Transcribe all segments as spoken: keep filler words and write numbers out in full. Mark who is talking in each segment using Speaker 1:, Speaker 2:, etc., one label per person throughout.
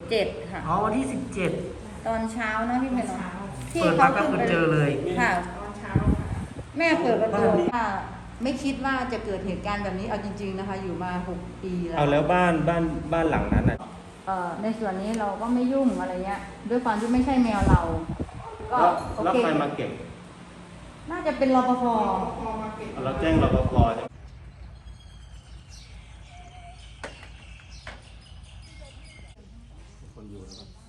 Speaker 1: เจ็ดค่ะ
Speaker 2: อ๋อวันที่สิบเจ็ด
Speaker 1: ตอนเช้านะพี่เพนที่
Speaker 2: เปิด
Speaker 1: เขา
Speaker 2: มาก็
Speaker 1: ขึ้น
Speaker 2: คือ
Speaker 1: ไป
Speaker 2: เจอเลย
Speaker 1: ค่ะ
Speaker 3: ตอนเช้าค่ะ
Speaker 1: แม่เปิดประตู
Speaker 2: บ้านนี้
Speaker 1: ค่ะไม่คิดว่าจะเกิดเหตุการณ์แบบนี้เอาจริงๆนะคะ อยู่มาหกปีแล้ว
Speaker 4: เอาแล้วบ้านบ้านบ้านหลังนั้นอ่ะ
Speaker 1: เอ่อในส่วนนี้เราก็ไม่ยุ่งอะไรเงี้ยด้วยความที่ไม่ใช่แมวเรา ก็
Speaker 4: แล้ว
Speaker 1: โอ
Speaker 4: แล้ว
Speaker 1: เค
Speaker 4: ใครมาเก็บ
Speaker 1: น่าจะเป็นรปภ
Speaker 3: พอมาเก็บ
Speaker 4: เราแจ้งรปภใช่ไหมคนอยู่แล้วครับ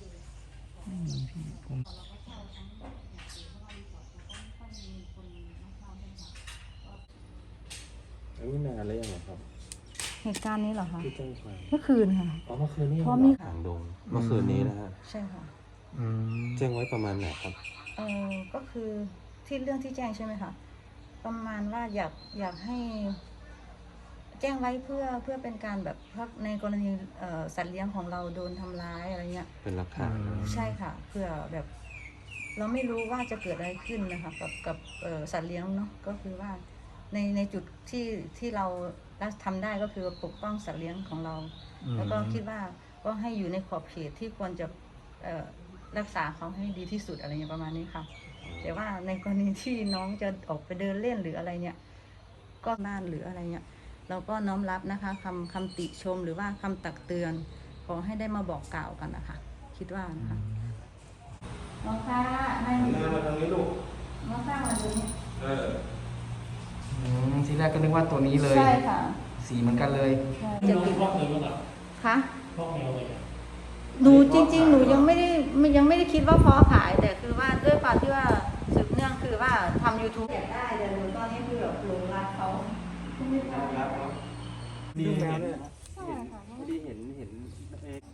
Speaker 4: อันนี้นานแล้วยังไงครับ
Speaker 1: เหตุการณ์นี้เหรอคะ
Speaker 4: ที่แจ้งความ
Speaker 1: เมื่อคืนค่ะ
Speaker 4: อ๋อเมื่อคืนนี้
Speaker 1: เพราะมี
Speaker 4: หางดงเมื่อคืนนี้นะฮะ
Speaker 1: ใช่ค่ะ
Speaker 2: อืม
Speaker 4: แจ้งไว้ประมาณไหนครับ
Speaker 1: เออก็คือที่เรื่องที่แจ้งใช่ไหมคะประมาณว่าอยากอยากให้ แจ้งไว้เพื่อเพื่อเป็นการแบบพักในกรณีเอ่อสัตว์เลี้ยงของเราโดนทำร้ายอะไรเงี้ย
Speaker 4: เป็นหลักฐาน
Speaker 1: ใช่ค่ะเพื่อแบบ เราไม่รู้ว่าจะเกิดอะไรขึ้นนะคะกับกับเอ่อสัตว์เลี้ยงเนาะก็คือว่าในในจุดที่ที่เราทำได้ก็คือปกป้องสัตว์เลี้ยงของเรา แล้วก็คิดว่าก็ให้อยู่ในขอบเขตที่ควรจะเอ่อรักษาเขาให้ดีที่สุดอะไรอย่างประมาณนี้ค่ะ แต่ว่าในกรณีที่น้องจะออกไปเดินเล่นหรืออะไรเนี่ย ก็บ้านหรืออะไรเนี่ยเราก็น้อมรับนะคะคำคำติชมหรือว่าคำตักเตือนขอให้ได้มาบอกกล่าวกันนะคะคิดว่านะคะน้องค่ะให้
Speaker 4: หน้ามาทางนี้ลูก
Speaker 1: น้องข้ามาดูนี่
Speaker 4: เออ
Speaker 2: อืมทีแรกก็นึกว่าตัวนี้เลย
Speaker 1: ใช่ค่ะ
Speaker 2: สีเหมือนกันเลย
Speaker 1: ใช่จะติด
Speaker 5: พ่อเลยว่า
Speaker 1: คะ
Speaker 5: พ่อแมวเลย
Speaker 1: หนูจริง ๆ หนูยังไม่ได้ยังไม่ได้คิดว่าเพาะขาย แต่คือว่าด้วยความที่ว่าสืบเนื่องคือว่าทำ ยูทูบ อยากได้แต่หนูตอนนี้คือแบบหลงรักเขา
Speaker 4: รับเนาะดีเห็นดีเห็นเห็นเอ๊ะ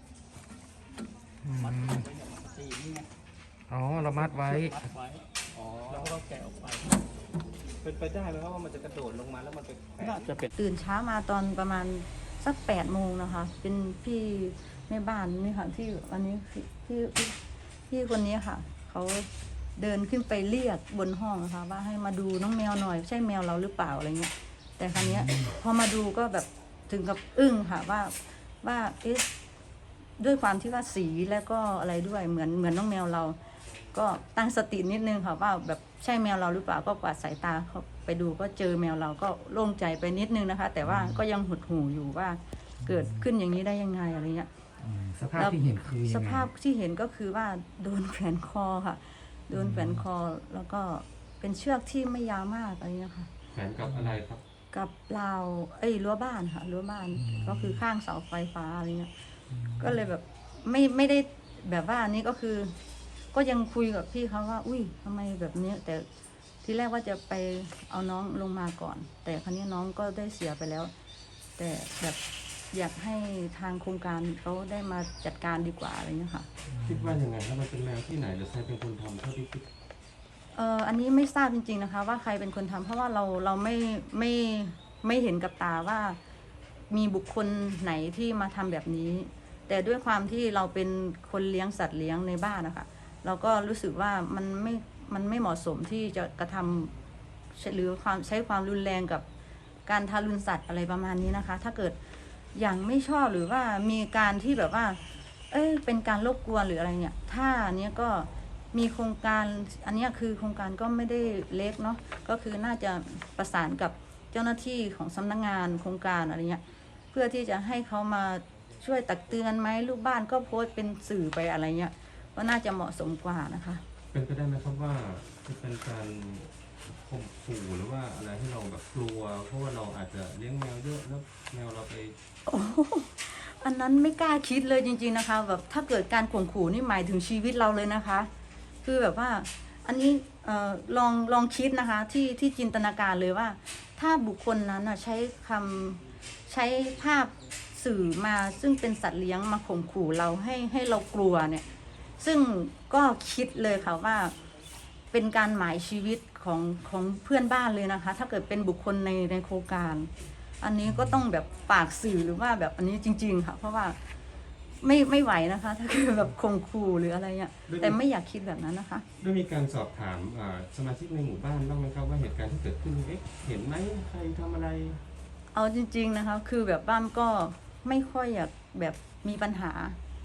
Speaker 5: สีนี่ไง
Speaker 2: อ๋อเรามัดไว้
Speaker 5: มัดไว้
Speaker 4: อ๋อ
Speaker 5: แล้วก็แกะออกไป
Speaker 4: เป็นไปได้ไหมครับว่ามันจะกระโดดลงมาแล้วมันไปแปะ
Speaker 5: น่าจะเป็น
Speaker 1: ตื่นเช้ามาตอนประมาณสักแปดโมงนะคะ เป็นพี่แม่บ้านนี่ค่ะที่วันนี้พี่พี่พี่คนนี้ค่ะเขาเดินขึ้นไปเรียกบนห้องนะคะว่าให้มาดูน้องแมวหน่อยใช่แมวเราหรือเปล่าอะไรเงี้ยแต่ครั้นี้ยพอมาดูก็แบบถึงกับอึ้งค่ะว่าว่าเอ๊ะด้วยความที่ว่าสีแล้วก็อะไรด้วยเหมือนเหมือนน้องแมวเรา ก็ตั้งสตินิดนึงค่ะว่าแบบใช่แมวเราหรือเปล่าก็กวาดสายตาเขาไปดูก็เจอแมวเราก็โล่งใจไปนิดนึงนะคะ แต่ว่าก็ยังหดหู่อยู่ว่าเกิดขึ้นอย่างนี้ได้ยังไงอะไรเงี้ย
Speaker 2: อืมสภาพที่เห็นคือยังไง
Speaker 1: สภาพที่เห็นก็คือว่าโดนแขวนคอค่ะ โดนแขวนคอแล้วก็เป็นเชือกที่ไม่ยาวมากอะไรเงี้ยค่ะ
Speaker 4: แขวนกับอะไรครับ
Speaker 1: กับราวเอ้ยรั้วบ้านค่ะรั้วบ้านก็คือข้างเสาไฟฟ้าอะไรเงี้ยก็เลยแบบไม่ไม่ได้แบบว่าอันนี้ก็คือ ก็ยังคุยกับพี่เขาว่า อุ้ยทำไมแบบนี้แต่ที่แรกว่าจะไปเอาน้องลงมาก่อน แต่ครั้นี้น้องก็ได้เสียไปแล้ว แต่แบบอยากให้ทางโครงการเขาได้มาจัดการดีกว่าอะไรเงี้ยค่ะ
Speaker 4: คิดว่ายังไงครับมันเป็นแมวที่ไหนหรือใครเป็นคนทำเท่าที่คิด
Speaker 1: เอ่ออันนี้ไม่ทราบจริงๆนะคะ ว่าใครเป็นคนทำเพราะว่าเราเราไม่ไม่ไม่เห็นกับตาว่ามีบุคคลไหนที่มาทำแบบนี้ แต่ด้วยความที่เราเป็นคนเลี้ยงสัตว์เลี้ยงในบ้านนะคะเราก็รู้สึกว่ามันไม่มันไม่เหมาะสมที่จะกระทำหรือความใช้ความรุนแรงกับการทารุณสัตว์อะไรประมาณนี้นะคะ ถ้าเกิดอย่างไม่ชอบหรือว่ามีการที่แบบว่า เอ้ยเป็นการรบกวนหรืออะไรเนี่ย ถ้าอันเนี้ยก็มีโครงการอันเนี้ยคือโครงการก็ไม่ได้เล็กเนาะก็คือน่าจะประสานกับเจ้าหน้าที่ของสำนักงานโครงการอะไรเงี้ยเพื่อที่จะให้เขามาช่วยตักเตือนไหมลูกบ้านก็โพสต์เป็นสื่อไปอะไรเงี้ยก็น่าจะเหมาะสมกว่านะคะ
Speaker 4: เป็นไปได้ไหมครับว่าจะเป็นการข่มขู่หรือว่าอะไรที่เราแบบกลัว เพราะว่าเราอาจจะเลี้ยงแมวเยอะแล้วแมวเราไป
Speaker 1: โอ้โหอันนั้นไม่กล้าคิดเลยจริงๆนะคะแบบถ้าเกิดการข่มขู่นี่หมายถึงชีวิตเราเลยนะคะ คือแบบว่าอันนี้เอ่อลองลองคิดนะคะที่ที่จินตนาการเลยว่า ถ้าบุคคลนั้นใช้คำใช้ภาพสื่อมาซึ่งเป็นสัตว์เลี้ยงมาข่มขู่เราให้ให้เรากลัวเนี่ยซึ่งก็คิดเลยค่ะว่าเป็นการหมายชีวิตของของเพื่อนบ้านเลยนะคะ ถ้าเกิดเป็นบุคคลในในโครงการ อันนี้ก็ต้องแบบฝากสื่อหรือว่าแบบอันนี้จริงๆค่ะเพราะว่าไม่ไม่ไหวนะคะ ถ้าเกิดแบบข่มขู่หรืออะไรเงี้ยแต่ไม่อยากคิดแบบนั้นนะคะ
Speaker 4: ได้มีการสอบถามอ่าสมาชิกในหมู่บ้านบ้างไหมครับว่าเหตุการณ์ที่เกิดขึ้นเอ๊ะเห็นไหมใครทำอะไร
Speaker 1: เอาจริงๆนะคะคือแบบบ้านก็ไม่ค่อยอยากแบบมีปัญหา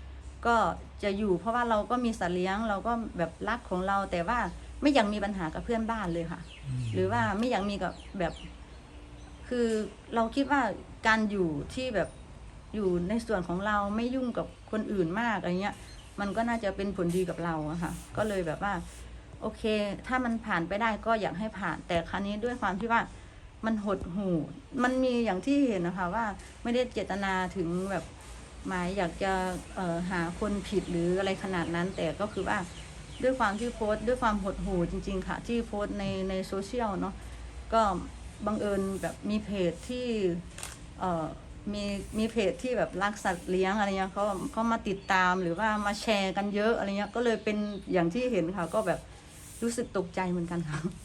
Speaker 1: ก็จะอยู่เพราะว่าเราก็มีสัตว์เลี้ยงเราก็แบบรักของเรา แต่ว่าไม่อยากมีปัญหากับเพื่อนบ้านเลยค่ะ หรือว่าไม่อยากมีกับแบบ คือเราคิดว่าการอยู่ที่แบบอยู่ในส่วนของเราไม่ยุ่งกับคนอื่นมากอะไรเงี้ย มันก็น่าจะเป็นผลดีกับเราอะค่ะ ก็เลยแบบว่า โอเค ถ้ามันผ่านไปได้ก็อยากให้ผ่าน แต่ครั้นี้ด้วยความที่ว่ามันหดหู่มันมีอย่างที่เห็นนะคะว่าไม่ได้เจตนาถึงแบบหมายอยากจะเอ่อหาคนผิดหรืออะไรขนาดนั้น แต่ก็คือว่าด้วยความที่โพสต์ด้วยความหดหู่จริงๆค่ะที่โพสต์ในในโซเชียลเนาะก็บังเอิญแบบมีเพจที่เอ่อมีมีเพจที่แบบรักสัตว์เลี้ยงอะไรเงี้ยเขาเขามาติดตามหรือว่ามาแชร์กันเยอะอะไรเงี้ยก็เลยเป็นอย่างที่เห็นค่ะก็แบบรู้สึกตกใจเหมือนกันค่ะ